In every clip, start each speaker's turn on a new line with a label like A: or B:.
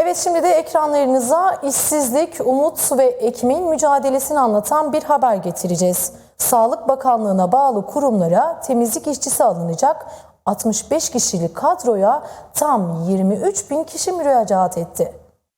A: Evet, şimdi de ekranlarınıza işsizlik, umut ve ekmeğin mücadelesini anlatan bir haber getireceğiz. Sağlık Bakanlığı'na bağlı kurumlara temizlik işçisi alınacak 65 kişilik kadroya tam 23 bin kişi müracaat etti.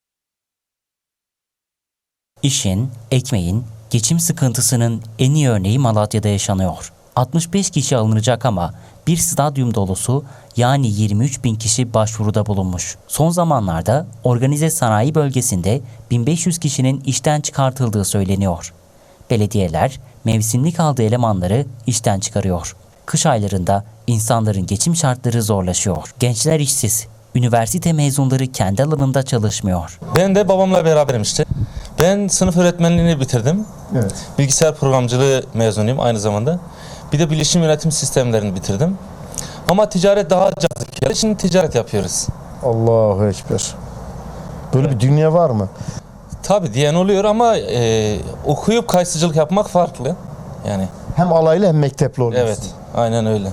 B: İşin, ekmeğin, geçim sıkıntısının en iyi örneği Malatya'da yaşanıyor. 65 kişi alınacak ama bir stadyum dolusu yani 23 bin kişi başvuruda bulunmuş. Son zamanlarda organize sanayi bölgesinde 1500 kişinin işten çıkartıldığı söyleniyor. Belediyeler mevsimlik aldığı elemanları işten çıkarıyor. Kış aylarında insanların geçim şartları zorlaşıyor. Gençler işsiz. Üniversite mezunları kendi alanında çalışmıyor.
C: Ben de babamla beraberim işte. Ben sınıf öğretmenliğini bitirdim.
D: Evet.
C: Bilgisayar programcılığı mezunuyum aynı zamanda. Bir de bilişim yönetim sistemlerini bitirdim. Ama ticaret daha cazip geldi. Şimdi ticaret yapıyoruz.
D: Allahu Ekber. Böyle bir dünya var mı?
C: Tabii diyen oluyor ama okuyup kayısıcılık yapmak farklı. Yani
D: Hem alaylı hem mektepli oluyorsun.
C: evet, aynen öyle.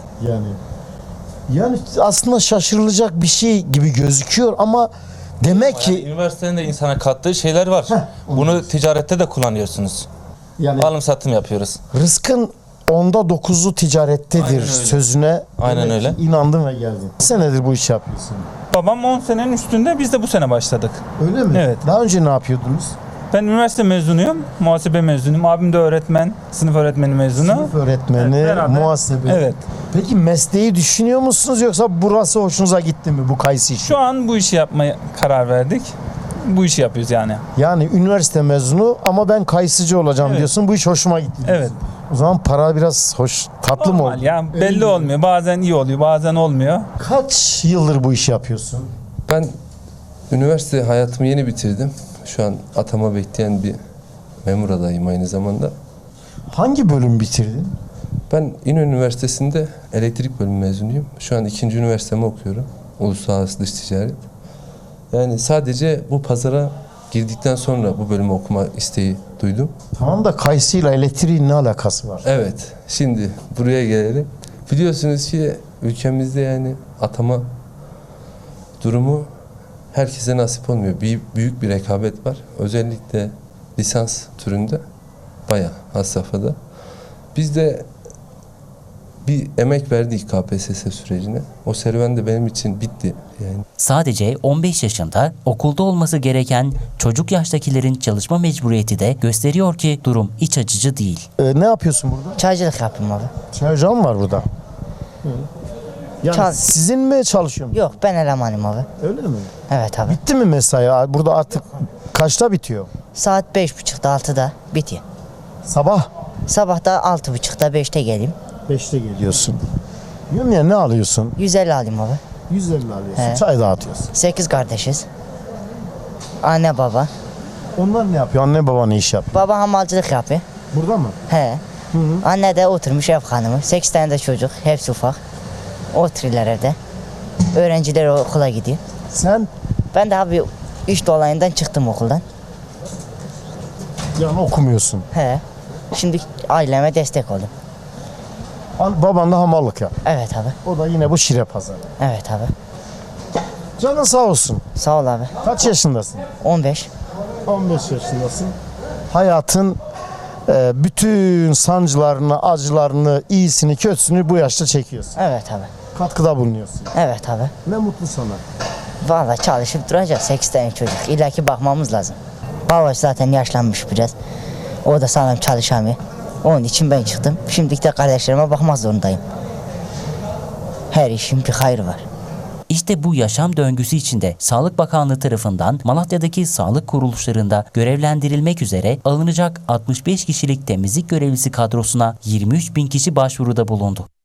D: Yani aslında şaşırılacak bir şey gibi gözüküyor ama demek
C: Yani
D: ki
C: üniversitenin de insana kattığı şeyler var. Bunu ticarette de kullanıyorsunuz.
D: yani
C: Alım satım yapıyoruz.
D: rızkın 10'da 9'u ticarettedir
C: Aynen öyle.
D: sözüne
C: Aynen
D: demek ki
C: öyle.
D: inandım ve geldim. Senedir bu işi yapıyorsun.
E: Babam 10 senenin üstünde, biz de bu sene başladık.
D: Öyle mi?
E: Evet.
D: Daha önce ne yapıyordunuz?
E: Ben üniversite mezunuyum, muhasebe mezunuyum. Abim de öğretmen, sınıf öğretmeni mezunu.
D: Sınıf öğretmeni,
E: Evet, beraber.
D: muhasebe.
E: Evet.
D: Peki mesleği düşünüyor musunuz yoksa burası hoşunuza gitti mi bu kayısı işi?
E: Şu an bu işi yapmaya karar verdik. Bu işi yapıyoruz yani.
D: Yani üniversite mezunu ama ben kayısıcı olacağım
E: Evet.
D: diyorsun. Bu iş hoşuma gitti diyorsun.
E: Evet.
D: O zaman para biraz hoş, tatlı mı
E: Normal
D: oldu?
E: ya, belli olmuyor. Bazen iyi oluyor, bazen olmuyor.
D: Kaç yıldır bu işi yapıyorsun?
F: Ben üniversite hayatımı yeni bitirdim. Şu an atama bekleyen bir memur adayım aynı zamanda.
D: Hangi bölüm bitirdin?
F: Ben İnönü Üniversitesi'nde elektrik bölümü mezunuyum. Şu an 2. üniversitemi okuyorum. Uluslararası Dış Ticaret. Yani sadece bu pazara girdikten sonra bu bölümü okuma isteği duydum.
D: Tamam da kayısıyla elektriğin ne alakası var?
F: Evet, şimdi buraya gelelim. Biliyorsunuz ki ülkemizde yani atama durumu herkese nasip olmuyor. Büyük bir rekabet var. Özellikle lisans türünde bayağı has safhada. Biz de bir emek verdik KPSS sürecine. O serüven de benim için bitti. Yani
B: Sadece 15 yaşında okulda olması gereken çocuk yaştakilerin çalışma mecburiyeti de gösteriyor ki durum iç açıcı değil.
D: Ne yapıyorsun burada?
G: Çaycılık yapayım abi.
D: Çay ocağı mı var burada? Yani
G: Çal-
D: sizin mi çalışıyor?
G: Yok, ben elemanım abi.
D: Öyle mi?
G: Evet abi.
D: Bitti mi mesai? Burada artık kaçta bitiyor?
G: Saat 5.30'da 6'da bitiyor.
D: Sabah
G: Sabah da 6.30'da 5'te geleyim.
D: 5'te geliyorsun. Diyorum ya, ne alıyorsun?
G: 150 alayım abi.
D: 150 alıyorsun.
G: He.
D: Çay dağıtıyorsun.
G: 8 kardeşiz. Anne baba.
D: Onlar ne yapıyor? Anne baba ne iş yapıyor?
G: Baba hamalcılık yapıyor.
D: Burada mı?
G: He. Anne de oturmuş ev hanımı. 8 tane de çocuk. Hepsi ufak. Oturuyorlar evde. Öğrenciler okula gidiyor.
D: Sen
G: Ben de abi iş dolayından çıktım okuldan.
D: yani okumuyorsun.
G: He. Şimdi aileme destek oldum.
D: Baban da hamallık yap.
G: Evet abi.
D: O da yine bu şire pazarı.
G: Evet abi.
D: Canın sağ olsun.
G: Sağ ol abi.
D: Kaç yaşındasın?
G: 15.
D: 15 yaşındasın. Hayatın bütün sancılarını, acılarını, iyisini, kötüsünü bu yaşta çekiyorsun.
G: Evet abi.
D: Katkıda bulunuyorsun.
G: Evet abi.
D: Ne mutlu sana.
G: Vallahi çalışıp duracak 8 tane çocuk. İlla ki bakmamız lazım. Baba zaten yaşlanmış biraz. O da sağlam çalışamıyor. Onun için ben çıktım. Şimdilik de kardeşlerime bakmak zorundayım. Her işin bir hayrı var.
B: İşte bu yaşam döngüsü içinde Sağlık Bakanlığı tarafından Malatya'daki sağlık kuruluşlarında görevlendirilmek üzere alınacak 65 kişilik temizlik görevlisi kadrosuna 23 bin kişi başvuruda bulundu.